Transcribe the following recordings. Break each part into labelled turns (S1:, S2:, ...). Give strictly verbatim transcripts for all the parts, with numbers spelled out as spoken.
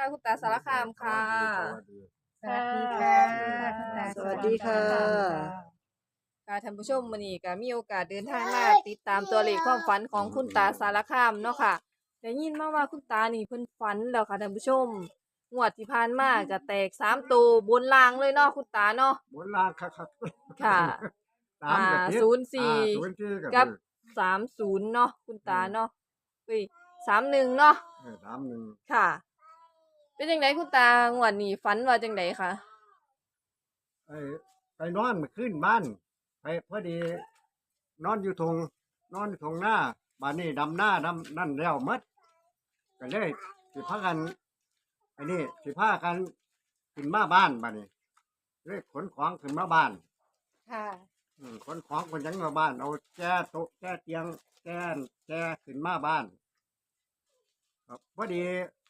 S1: คุณตาสารคามค่ะ
S2: สวัสดีค่ะคุณตา
S3: สวัสดีค่ะ
S1: ค่ะท่านผู้ชมมื้อนี้ก็มีโอกาสเดินทางมาติดตามตัวเลขความฝันของคุณตาสารคามเนาะค่ะได้ยินมาว่าคุณตานี่เพิ่นฝันแล้วค่ะท่านผู้ชมงวดที่ผ่านมาก็แตกสามตัวบนล่างเลยเนาะคุณตาเนาะ
S3: บนลางคักคัก
S1: ค่ะ
S3: สามกับ
S1: อ่า
S3: เจ็ด
S1: ศูนย์สี่
S3: อ่าศูนย์สี่
S1: กับสามศูนย์เนาะคุณตาเนาะเอ้ยสามหนึ่งเนาะ
S3: เออสามหนึ่ง
S1: ค่ะ เป็นจังไดคุณตางวดนี้ฝันว่าจังไดคะ
S3: ไอ้ไปนอนมาขึ้นบ้านไปพอดี นอนอยู่ทงนอนอยู่ทงหน้าบ้านนี้ดำหน้าดำนั่นแล้วหมัดก็เลยสิพากันไอ้นี่สิพากันขึ้นมาบ้านบ้านนี้เลยขนของขึ้นมาบ้าน
S2: ค่ะ
S3: อืมขนของคนยังมาบ้านเอาแก้โต๊ะแก้เตียงแก้นแก้ขึ้นมาบ้านครับพอดี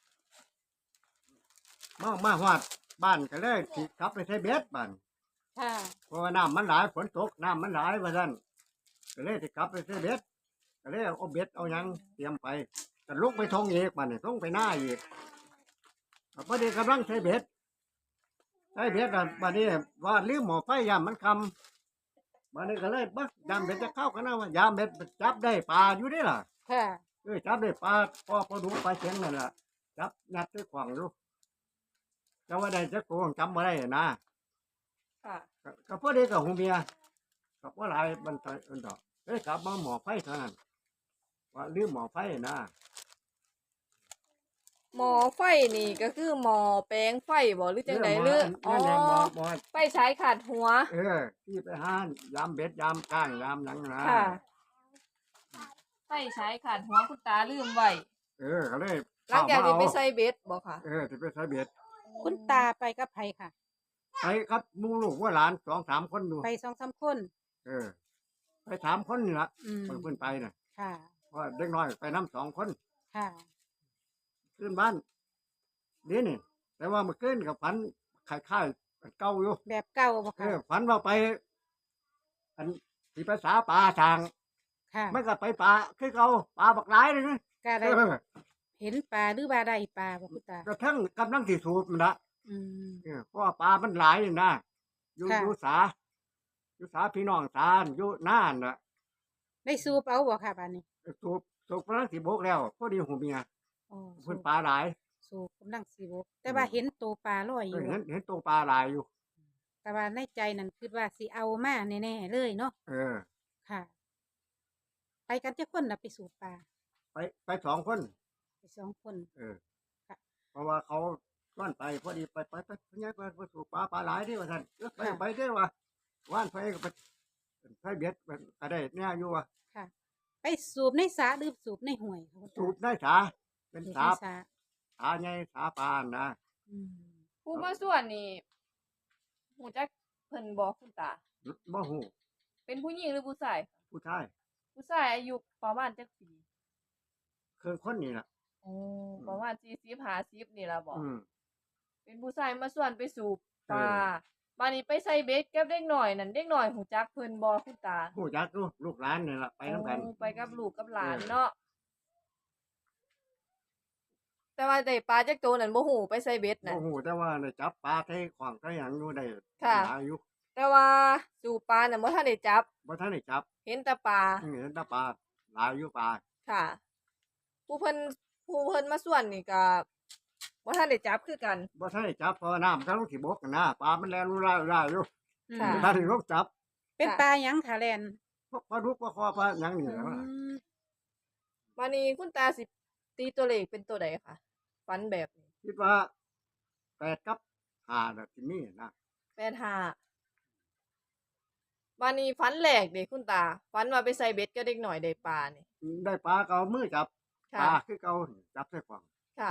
S3: มามาฮอดบ้านก็เลยสิกลับไปใช้เบ็ดบ้าน
S2: ค่ะ
S3: เพราะว่าน้ำมันหลายฝนตกน้ำมันหลายว่าซั่นก็เลยสิกลับไปใช้เบ็ดก็เลยเอาเบ็ดเอาหยังเตรียมไปก็ลุกไปทงอีกบ้านนี่ทงไปหน้าอีกก็พอดีกำลังใช้เบ็ดใช้เบ็ดอ่ะบ้านนี้ว่าลืมหม้อไฟยามมันคำบ้านนี้ก็เลยบักยามเบ็ดจะเข้ากันนะว่ายามเบ็ดจับได้ปลาอยู่นี่ล่ะ
S2: ค่ะ
S3: เออจับได้ปลาพอพอดูปลาเชียงนั่นแหละจับยัดด้วยขวางดูแต่ว่าได้จะโกงจำไม่ได้นะ
S1: ค่ะ
S3: ก็ก็พอดีกับหูเมียกับว่าหลายบันไดอันดอกเอ้ยกลับมาหมอไฟเท่านั้นว่าลืมหมอไฟนะ
S1: หมอไฟนี่ก็คือหมอแปลงไฟบ่หรือจังได
S3: เออหมอ
S1: หรืออ๋อ
S3: นั่นแหละหมอหมอ
S1: ไฟใช้ขาดหัว
S3: เออที่ไปห้านยามเบ็ดยามก้างยามหยังนะ
S1: ค่ะ ไฟใช้ขาดหัวคุณตาลืมไว้
S3: เออก็เลย
S1: หลังจากที่ไป
S3: เอ
S1: ใส่เบ็ดบ่ค่ะ
S3: เออที่ไปใส่เบ็ด
S2: คุณตาไปกับไผค่ะ
S3: ไปครับหมูลูกว่าหลานสองสามคนดู
S2: ไปสองสามคน
S3: เออ ไปสามคนนี่ละ
S2: อืม
S3: เพิ่นเพิ่นไปน่ะ
S2: ค่ะ
S3: เพราะเด็กน้อยไปน้ำสองคน
S2: ค่ะ
S3: ขึ้นบ้านเดี๋ยวนี่แต่ว่าเมื่อคืนกับฝันคล้ายๆอันเก่าอยู่
S2: แบบเก่าบ่
S3: เอ
S2: ค่ะ
S3: อฝันว่าไป อันที่ภาษาป่าทาง
S2: ค่ะ
S3: มันก็ไปป่าคือเก่าป่าบักหลายเลยนะ
S2: ก็
S3: เอ
S2: ได้
S3: อ
S2: เห็นปลาหรือว่าได้ปลาบ่คุณตา
S3: กระทั่งกำลังที่สูบมันละ
S2: อืม
S3: เออเพราะว่าป่ามันหลายนี่นะอยู่
S2: ค่ะ
S3: อยู่สาอยู่สาพี่น้องสาอยู่น่านน่ะ
S2: ได้สูบเอาบ่ค่ะบัดนี้
S3: สูบสูบกำลังสิบกแล้วพอดีหูเมีย
S2: อ๋อสู
S3: เพิ่น
S2: บ
S3: ป่าหลาย
S2: สูบกำลังสิบกแต่ว่าเห็นตัวปลาลอยอ
S3: เออยู่ เห็นเห็นตัวป่าหลายอยู่
S2: แต่ว่าในใจนั่นคิดว่าสิเอามาแน่ๆเลยเนาะ
S3: เออ
S2: ค่ะ ไปกันจักคนน่ะไปสูบปลา
S3: ไปไปสองคน
S2: ไปสองคน
S3: เออ
S2: ค่ะ
S3: เพราะว่าเขาว่านไปพอดีไปไปไปพญายไปไปสู่ป่าป่าหลายที่ว่าท่านเออไป
S2: ค่ะ
S3: ไปได้อว่าว่านไปก็ไปไปเบียดไปก็ได้เนี่ยอยู่ว่า
S2: ค่ะ ไปสูบในสระหรือสูบในห้วยค่ะคุณตา
S3: สูบได้สาเป็น
S2: สูบ
S3: สา
S2: ในสระ
S3: สาใหญ่สาปานนะ
S2: อืม
S1: ผู้มาส่วนนี่หูจักเพิ่นบอกคุณตา
S3: บ่หู
S1: เป็นผู้หญิงหรือผู้ชาย
S3: ผู้ชาย
S1: ผู้ชายอายุประมาณจักปี
S3: คือคนนี้ล่ะ
S1: โอ้ประมาณสี่สิบห้าสิบนี่ล่ะบ่
S3: อืม
S1: เป็นผู้ชายมาส่วนไปสูบป
S3: เออ
S1: ลาบานนี้ไปใส่เบ็ดกับเด็กหน่อยนั่นเด็กหน่อยหูจักเพิ่นบ่คุณตา
S3: ผู้จักลูกลูกหลานนี่ล่ะไปน้ำกัน
S1: โอ้ไปกับลูกกับหลาน
S3: เออ
S1: เนาะแต่ว่าได้ปลาจักตัวนั่นบ่ฮู้ไปใส่เบ็ด
S3: บ่
S1: นั่น
S3: หูแต่ว่าได้จับปลาไทยขวางไทยหยังอยู่ได้
S1: ค่ะ
S3: หลายอยู่
S1: แต่ว่าสูบปลาน่ะบ่ทันได้จับ
S3: บ่ทันได้จับ
S1: เห็นแต่ปลา
S3: อืมเห็นแต่ปลาหลายอยู่ปลา
S1: ค่ะ ผู้เพิ่นผู้เพิ่นมาส่วนนี่ก็บ่ทันได้จับคือกัน
S3: บ่ทันได้จับเพราะว่าน้ำกำลังสิบกนะปลามันแล่นรู้ร่ายๆอยู่
S2: อืม
S1: ค่ะ
S3: บ่ทันได้ลงจับ
S2: เป็น
S1: ค่ะ
S2: ปลาหยังค่ะแลน
S3: พวกปลาดุกปลาคอปลาหยังนี่
S2: อื
S3: แหละ
S2: ม
S1: วันนี้คุณตาสิตีตัวเลขเป็นตัวใดคะฝันแบบนี้
S3: คิดว่าแปดกับห้าน่ะสิมีนะ
S1: แปดห้าวันนี้ฝันแรกเด็กคุณตาฝันว่าไปใส่เบ็ดก็เด็กหน่อยได้ปลานี่
S3: ได้ปลาก็เอามือจับป
S1: ค่ะ
S3: ลาคือเก่าจับใส่ขวาง
S1: ค่ะ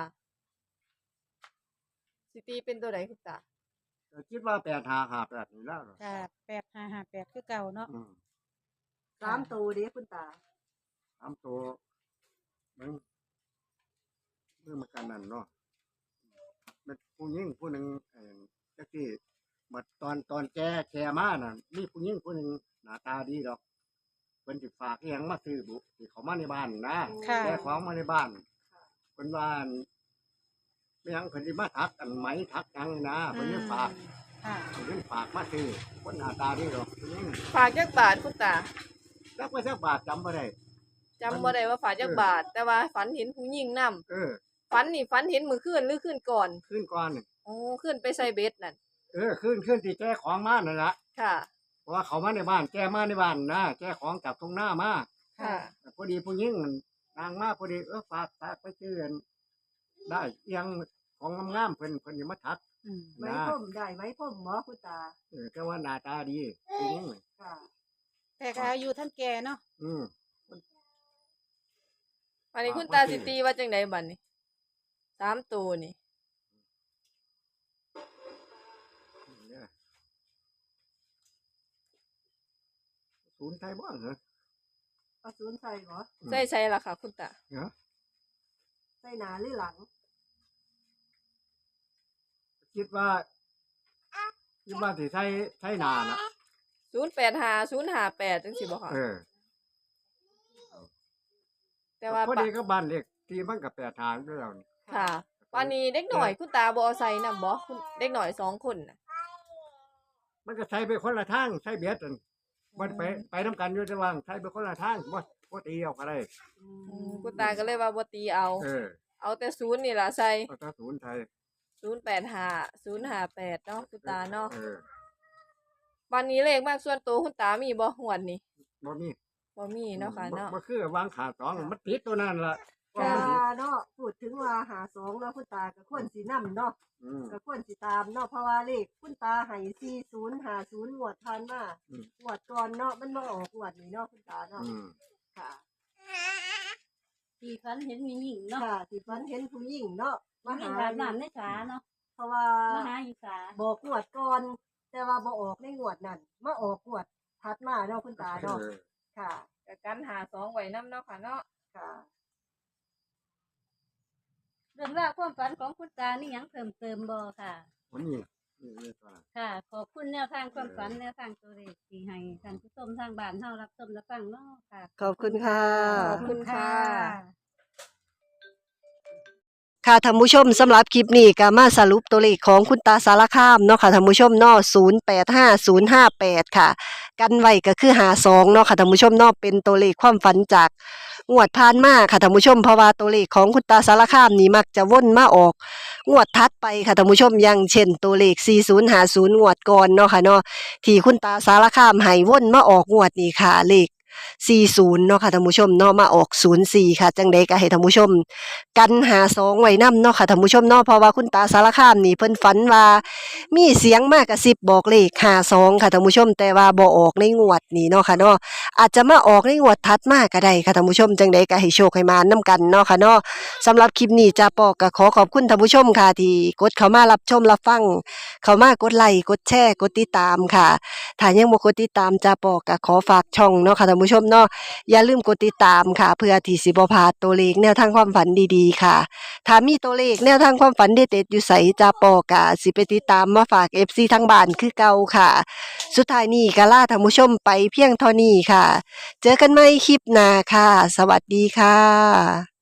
S1: สิตีเป็นตัวใดคุณตา
S3: ก็คิดว่าแปดห้าห้าแปดนี่แล้วเหรอ
S2: ค่ะแปดห้าห้าแปดคือเก่าเนาะ
S3: อืม
S4: สามตัวเด้คุณตา
S3: สามตัวมันเมื่อมากันนั่นเนาะเป็นผู้หญิงผู้หนึ่งเอ่อจักที่มาตอนตอนแกแกมาน่ะมีผู้หญิงผู้หนึ่งหน้าตาดีดอกเพิ่นสิฝากอิหยังมาซื้อบุที่เขามาในบ้านนะ
S2: ค่ะ
S3: แกของมาในบ้านเพิ่นว่าอั่นไม่ยังเพิ่นสิมาทักอันไหมทักหยังนะเพิ่นยังฝาก
S2: ค่ะ
S3: เพิ่นยังฝากมาซื้อคนหน้าตาดีดอกเพิ่นยัง
S1: ฝากจักบาทคุณตา
S3: จักว่าจักบาทจำบ่ได้
S1: จำบ่ได้ว่าฝากจักบาท แต่ว่าฝันเห็นผู้หญิงนํ
S3: เออ
S1: ฝันนี่ฝันเห็นมื้อคืนหรือคืนก่อน
S3: ขึ้นก่อนนี่
S1: โอ้ขึ้นไปใส่เบ็ดนั่น
S3: เออขึ้นขึ้นที่แก้ของมานั่นล่ะ
S1: ค่ะ
S3: เพราะว่าเขามาในบ้านแก้มาในบ้านนะแก้ของจากตรงหน้ามา
S1: ค่ะ
S3: พอดีผู้หญิงมันนางมาพอดีเออฝากฝากไปเตือนได้เอียงของงามๆเพิ่นเพิ่นอย่ามาทัก
S2: อืม
S4: ไว้พรมได้ไว้พรมหมอคุณตา
S3: เออแต่ว่าหน้าตาดีผู้หญิงน่ะ
S4: ค่ะ
S2: แต่ก็อายุท่านแก่เนาะ
S3: อืม
S1: อันนี้
S3: ฝาก
S1: คุณ
S3: ไว้
S1: ตา
S3: สิ
S1: สิตีว่าจังไดบัดนี้สามตัวนี่
S3: เนี่ยศูนย์ไทยบ้างเหรอ
S4: เอาศูนย์ใส่หมอ
S3: อืม
S1: ใส่ใส่ล่ะค่ะ คุณตา
S3: เนาะ
S4: ใส่หนาหรือหลัง
S3: คิดว่าคิดว่าสิใช้ใช้นานะ
S1: ศูนย์แปดห้า ศูนย์ห้าแปดจังซี่บ่ค่ะ
S3: เออ
S1: แต่ว่า
S3: พอ
S1: ปะ
S3: ดีก็บ้านเล็กที่มันกับแปดทางด้วยแล้วนี่
S1: ค่ะวันนี้เด็กหน่อยคุณตาบ่เอาใส่นำบ่คุณเด็กหน่อยสองคนน่ะ
S3: มันก็ใช้ไปคนละทางใช้เบียดกันมันไปไปน้ำกันอยู่ระหว่างใช้ไปคนละทางบ่บ่ตีเอาก็ได้
S4: อื
S1: อืม
S4: ม
S1: คุณตาก็เลยว่าบ่ตีเอา
S3: เออ
S1: เอาแต่ศูนย์นี่ล่ะใส่
S3: เอาถ้าศูนย์ไทย
S1: ศูนย์แปดห้า ศูนย์ห้าแปดเนาะคุณตาเนาะ
S3: เออ
S1: วันนี้เลขมากส่วนตัวคุณตามีบ่หวดนี่
S3: บ่มี
S1: บ่มีเนาะค่ะเนาะ
S3: บ่คือวางขาสองมันติดตัวนั้นล่ะ
S1: ค่ะ
S3: ว่ามันสิ
S4: เนาะพูดถึงว่าหาสองเนาะคุณตาก็ควรสินํเนาะ
S3: อืม
S4: ก็ควรสิตามเนาะเพราะว่าเลขคุณตาให้สี่ศูนย์ห้าศูนย์งวดผ่านมา
S3: อืม
S4: งวดก่อนเนาะมันมาออกงวดนี้เนาะคุณตาเนาะ
S3: อืม
S4: ค่ะ
S5: ที่ฝันเห็นมีหญิงเนาะ
S4: ค่ะที่ฝันเห็นผู้หญิงเนาะมา
S5: มี
S4: หา
S5: แบบน้ำในสาเนาะ
S4: เพราะว่า
S5: มาหาอยู่สา
S4: บอกงวดก่อน แต่ว่าบ่ออกในงวดนั้นมาออกงวดถัดมาเนาะคุณตาเนาะ
S3: เออ
S4: ค่ะ
S1: ก็กันหาสองไว้นํเนาะค่ะเนาะ
S4: ค่ะ
S5: เรื่องราวความฝันของคุณตานี่หยังเพิ่มเติมบ่ค่ะ
S3: วันนี้นี่นี่ตัว
S5: ค่ะ ขอบคุณแนวทางความฝันแนวทางตัวเลขที่ให้ท่านผู้ชมทางบ้านเฮารับชมรับฟังเนาะค่ะ
S4: ขอบคุณค่ะ
S1: ขอบคุณค่ะ
S4: ค่ะท่านผู้ชมสำหรับคลิปนี้ก็มาสรุปตัวเลขของคุณตาสารคามเนาะค่ะท่านผู้ชมเนาะศูนย์แปดห้า ศูนย์ห้าแปดค่ะ กันไว้ก็คือหาสองเนาะค่ะท่านผู้ชมเนาะเป็นตัวเลขความฝันจากงวดผ่านมาค่ะท่านผู้ชมเพราะว่าตัวเลขของคุณตาสารคามนี่มักจะวนมาออกงวดถัดไปค่ะท่านผู้ชมอย่างเช่นตัวเลขสี่ศูนย์ห้าศูนย์งวดก่อนเนาะค่ะเนาะที่คุณตาสารคามให้วนมาออกงวดนี้ค่ะเลขสี่สิบเนาะค่ะท่านผู้ชมเนาะมาออกศูนย์สี่ค่ะจังใดก็ให้ท่านผู้ชม กันหาสองไว้นำเนาะค่ะท่านผู้ชมเนาะเพราะว่าคุณตาสารคามนี่เพิ่นฝันว่ามีเสียงมากกระซิบบอกเลขห้าสองค่ะท่านผู้ชมแต่ว่าบ่ออกในงวดนี้เนาะค่ะเนาะอาจจะมาออกในงวดถัดมาก็ได้ค่ะท่านผู้ชมจังใดก็ให้โชคให้มานํกันเนาะค่ะเนาะสำหรับคลิปนี้จ้าปอก็ขอขอบคุณท่านผู้ชมค่ะที่กดเข้ามารับชมรับฟังเข้ามากดไลค์กดแชร์กดติดตามค่ะถ้ายังบ่กดติดตามจ้าปอก็ขอฝากช่องเนาะค่ะท่านผู้ชมเนาะอย่าลืมกดติดตามค่ะเพื่อที่สิบ่พลาดตัวเลขแนวทางความฝันดีๆค่ะ ถ้ามีตัวเลขแนวทางความฝันเด็ดๆอยู่ไสจาปอกะสิไปติดตามมาฝาก เอฟ ซี ทั้งบ้านคือเก่าค่ะ สุดท้ายนี้ก็ลาท่านผู้ชมไปเพียงเท่านี้ค่ะ เจอกันใหม่คลิปหน้าค่ะ สวัสดีค่ะ